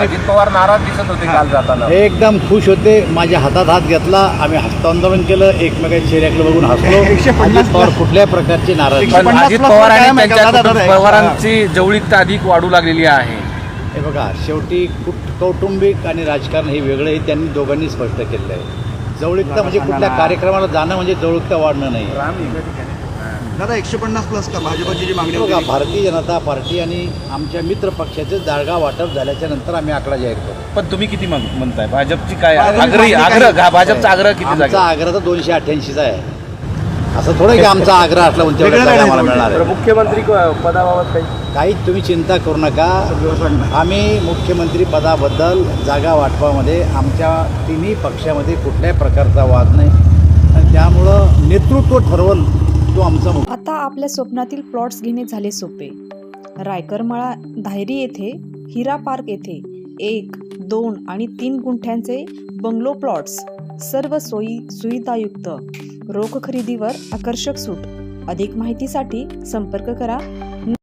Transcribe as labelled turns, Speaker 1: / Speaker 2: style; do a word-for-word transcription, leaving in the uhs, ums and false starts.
Speaker 1: अजित पवार नाराज दिसत होते काल जाताना.
Speaker 2: हे एकदम खुश होते. माझ्या हातात हात घेतला, आम्ही हस्तांदोलन केलं, एकमेकांच्या चेहऱ्याकडे बघून हसलो. अजित पवार कुठल्याही प्रकारची नाराज
Speaker 1: पण अजित पवार आणि त्यांच्या कुटुंब पवारांची जवळीकता अधिक वाढू लागलेली आहे.
Speaker 2: हे बघा, शेवटी कुट कौटुंबिक आणि राजकारण हे वेगळं आहे. त्यांनी दोघांनी स्पष्ट केलेलं आहे. जवळीकता म्हणजे कुठल्या कार्यक्रमाला जाणं म्हणजे जवळीकता वाढणं नाही.
Speaker 3: दादा एकशे पन्नास प्लस का भाजपची जी मागणी
Speaker 2: बघा,
Speaker 3: होती?
Speaker 2: भारतीय जनता पार्टी आणि आमच्या मित्र पक्षाचे जागा वाटप झाल्याच्या नंतर आम्ही आकडा जाहीर करू.
Speaker 1: पण तुम्ही किती म्हण- म्हणताय भाजपची काय
Speaker 3: भाजपची
Speaker 1: आग्रही
Speaker 3: मागणी काय?
Speaker 1: आग्रह भाजपचा आग्रह किती
Speaker 2: आमचा
Speaker 1: जागा?
Speaker 2: आग्रह तर दोनशे अठ्ठ्याऐंशीचा आहे. असं थोडं की आमचा आग्रह असला म्हणून तेवढ्या
Speaker 3: वेगळं
Speaker 2: जागा
Speaker 3: काय
Speaker 2: आम्हाला
Speaker 3: नाही
Speaker 2: मिळणार आहे.
Speaker 1: मुख्यमंत्री पदाबाबत काही
Speaker 2: काही तुम्ही चिंता करू नका. आम्ही मुख्यमंत्री पदाबद्दल जागा वाटपामध्ये आमच्या तिन्ही पक्षामध्ये कुठल्याही प्रकारचा वाद नाही आणि त्यामुळं नेतृत्व ठरवल तो आमचा मुख्य.
Speaker 4: आता आपल्या स्वप्नातील प्लॉट्स घेणे झाले सोपे. रायकरमाळा धायरी येथे हिरा पार्क येथे एक दोन आणि तीन गुंठ्यांचे बंगलो प्लॉट्स, सर्व सोयी सुविधायुक्त, रोख खरेदीवर आकर्षक सूट. अधिक माहितीसाठी संपर्क करा